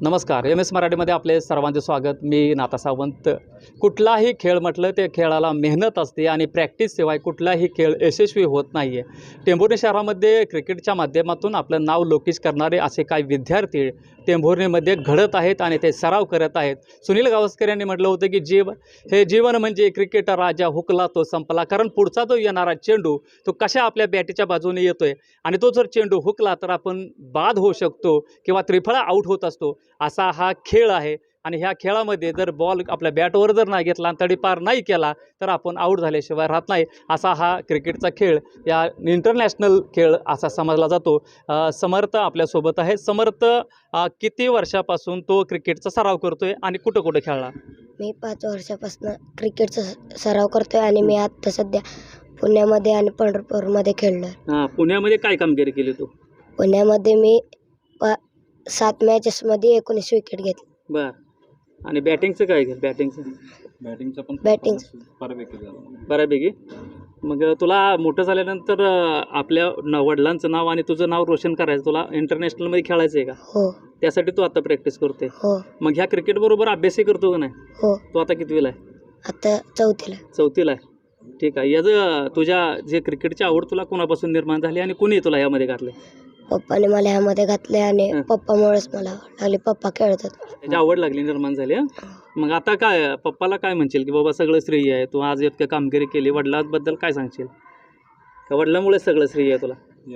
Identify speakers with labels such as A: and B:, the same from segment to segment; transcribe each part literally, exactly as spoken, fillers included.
A: नमस्कार. M S मराठीमध्ये आपले सर्वांचे स्वागत. मी नाता सावंत. कुठलाही खेळ म्हटलं ते खेळाला मेहनत असते आणि प्रॅक्टिसशिवाय कुठलाही खेळ यशस्वी होत नाही आहे. टेंभुर्णी शहरामध्ये क्रिकेटच्या माध्यमातून आपलं नाव लौकिक करणारे असे काही विद्यार्थी टेंभुर्णीमध्ये घडत आहेत आणि ते सराव करत आहेत. सुनील गावस्कर यांनी म्हटलं होतं की जीव हे जीवन म्हणजे क्रिकेट राजा हुकला तो संपला. कारण पुढचा जो येणारा चेंडू तो कशा आपल्या बॅटीच्या बाजूने येतो आहे आणि तो जर चेंडू हुकला तर आपण बाद होऊ शकतो किंवा त्रिफळा आऊट होत असतो. असा हा खेळ आहे आणि ह्या खेळामध्ये जर बॉल आपल्या बॅटवर जर नाही घेतला आणि तडीपार नाही केला तर आपण आऊट झाल्याशिवाय राहत नाही. असा हा क्रिकेटचा खेळ या इंटरनॅशनल खेळ असा समजला जातो. समर्थ आपल्यासोबत आहे. समर्थ, किती वर्षापासून तो क्रिकेटचा सराव करतोय आणि कुठं कुठं खेळला?
B: मी पाच वर्षापासून क्रिकेटचा सराव करतोय आणि मी आता सध्या पुण्यामध्ये आणि पंढरपूरमध्ये खेळलोय.
A: हां, पुण्यामध्ये काय कामगिरी केली तू?
B: पुण्यामध्ये मी पा सात मॅचेसमध्ये एकोणीस विकेट घेतली.
A: बरं. आणि बॅटिंगचं काय केलं? बॅटिंगचं
C: बॅटिंगचं पण
B: बॅटिंग
C: बऱ्यापैकी झालं.
A: बऱ्यापैकी. मग तुला मोठं झाल्यानंतर आपल्या न वडिलांचं नाव आणि तुझं नाव रोशन करायचं, तुला इंटरनॅशनलमध्ये खेळायचं आहे का?
B: हो
A: त्यासाठी तू आता प्रॅक्टिस करतोय.
B: हो
A: मग ह्या क्रिकेटबरोबर अभ्यासही करतो का नाही?
B: हो
A: तू आता कितवीला आहे?
B: आता चौथीला.
A: चौथीला आहे. ठीक आहे. याचं तुझ्या जे क्रिकेटची आवड तुला कोणापासून निर्माण झाली आणि कोणी तुला यामध्ये घातलं?
B: पप्पाने मला ह्यामध्ये घातले आणि पप्पामुळेच मला आवड लागली. पप्पा खेळत होते,
A: त्याची आवड लागली, निर्माण झाली. हं? मग आता काय पप्पाला काय म्हणशील की बाबा सगळं श्रेय आहे, तू आज इतकं कामगिरी केली, वडिलांबद्दल काय सांगशील? का वडिलांमुळे सगळं श्रेय आहे तुला?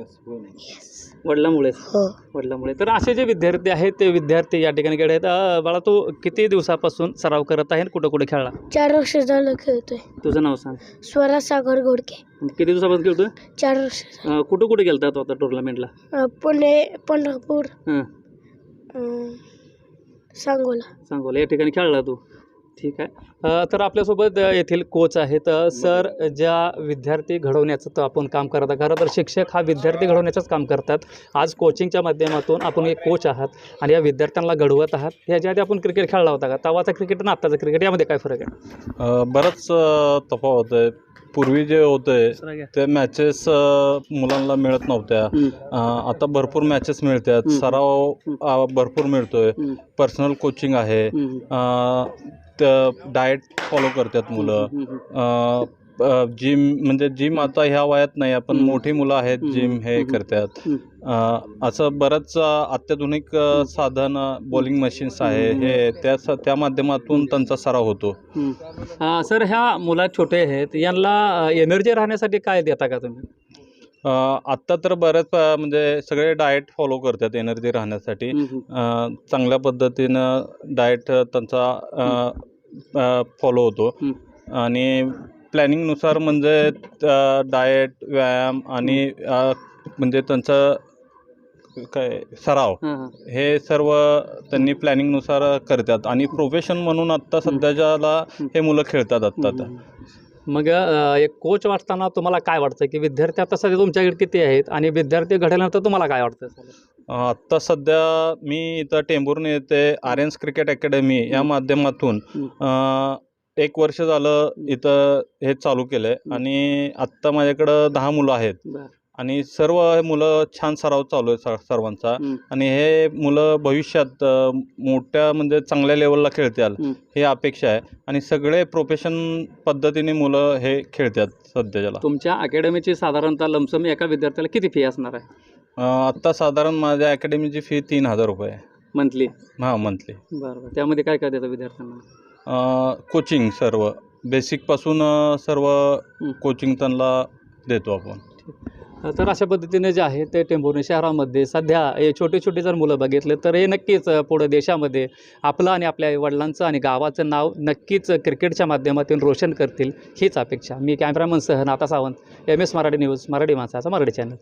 B: येस
A: वडिलांमुळेच.
B: हो
A: वडिलांमुळे. तर असे जे विद्यार्थी आहेत ते विद्यार्थी या ठिकाणी खेळ आहेत. अं, बाळा, तू किती दिवसापासून सराव करत आहे आणि कुठं कुठं खेळला?
B: चार वर्ष झालं खेळतोय.
A: तुझं नाव सांग.
B: स्वराज सागर घोडके.
A: किती दिवसापासून खेळतोय?
B: चार वर्ष.
A: अं, कुठं कुठे गेलता तू आता टुर्नामेंटला?
B: पुणे, पंढरपूर,
A: हां,
B: अं, सांगोला.
A: सांगोला या ठिकाणी खेळला तू. ठीक आहे. अ, तर आपल्यासोबत अ, येथील कोच आहेत. अ, सर, ज्या विद्यार्थी घडवण्याचं तर आपण काम करत आहात, खरं तर शिक्षक हा विद्यार्थी घडवण्याचंच काम करतात. आज कोचिंगच्या माध्यमातून आपण एक कोच आहात आणि या विद्यार्थ्यांना घडवत आहात. ह्याच्या आधी आपण क्रिकेट खेळला होता का? तवाचा क्रिकेट आणि आत्ताचं क्रिकेट यामध्ये काय फरक आहे?
C: अ, बरंच अ, तफावत आहे. पूर्वी जे होते ते मॅचेस मुलांना मिळत नव्हत्या. अ, आता भरपूर मॅचेस मिळतात, सराव अ, भरपूर मिळतोय, पर्सनल कोचिंग आहे, डाएट फॉलो करतात मुलं. जिम म्हणजे जिम आता ह्या वयात नाही, आपण मोठी मुलं आहेत जिम हे करतात. असं बरंच अत्याधुनिक साधन, बॉलिंग मशीन्स आहे, हे त्या त्या माध्यमातून त्यांचा सराव होतो.
A: अ, सर, ह्या मुला छोटे आहेत, यांना एनर्जी राहण्यासाठी काय देता का तुम्ही?
C: आत्ता तर बऱ्याच अ, म्हणजे सगळे डाएट फॉलो करतात एनर्जी राहण्यासाठी. अ, चांगल्या पद्धतीनं डाएट त्यांचा फॉलो होतो आणि प्लॅनिंगनुसार म्हणजे डाएट, व्यायाम आणि अ, म्हणजे त्यांचं काय सराव हे सर्व त्यांनी प्लॅनिंगनुसार करतात आणि प्रोफेशन म्हणून आत्ता सध्याच्याला हे मुलं खेळतात आत्ता.
A: मग अ, एक कोच वाटताना तुम्हाला काय वाटतं की विद्यार्थी आता सध्या तुमच्याकडे किती आहेत आणि विद्यार्थी घडल्यानंतर तुम्हाला काय वाटतं?
C: आत्ता सध्या मी इथं टेंभुर्णी येथे आर्यन्स क्रिकेट अकॅडमी या माध्यमातून अ, एक वर्ष झालं इथं हे चालू केलं आहे आणि आत्ता माझ्याकडं दहा मुलं आहेत आणि सर्व मुलं छान सराव चालू आहे सर्वांचा. आणि हे मुलं भविष्यात अ, मोठ्या म्हणजे चांगल्या लेवलला खेळतील हे अपेक्षा आहे आणि सगळे प्रोफेशन पद्धतीने मुलं हे खेळतात सध्याच्याला.
A: तुमच्या अकॅडमीची साधारणतः लमसम एका विद्यार्थ्याला किती फी असणार आहे?
C: आत्ता साधारण माझ्या अकॅडमीची फी तीन हजार रुपये आहे
A: मंथली.
C: हां, मंथली.
A: बरं. त्यामध्ये काय काय देतं विद्यार्थ्यांना?
C: कोचिंग सर्व बेसिकपासून सर्व कोचिंग त्यांना देतो आपण.
A: तर अशा पद्धतीने जे आहे ते टेंभुर्णी शहरामध्ये सध्या हे छोटे छोटे जर मुलं बघितले तर हे नक्कीच पुढं देशामध्ये आपलं आणि आपल्या वडिलांचं आणि गावाचं नाव नक्कीच क्रिकेटच्या माध्यमातून रोशन करतील हीच अपेक्षा. मी कॅमेरामन सह Nata Sawant, M S Marathi news, Marathi माणसाचा मराठी चॅनल.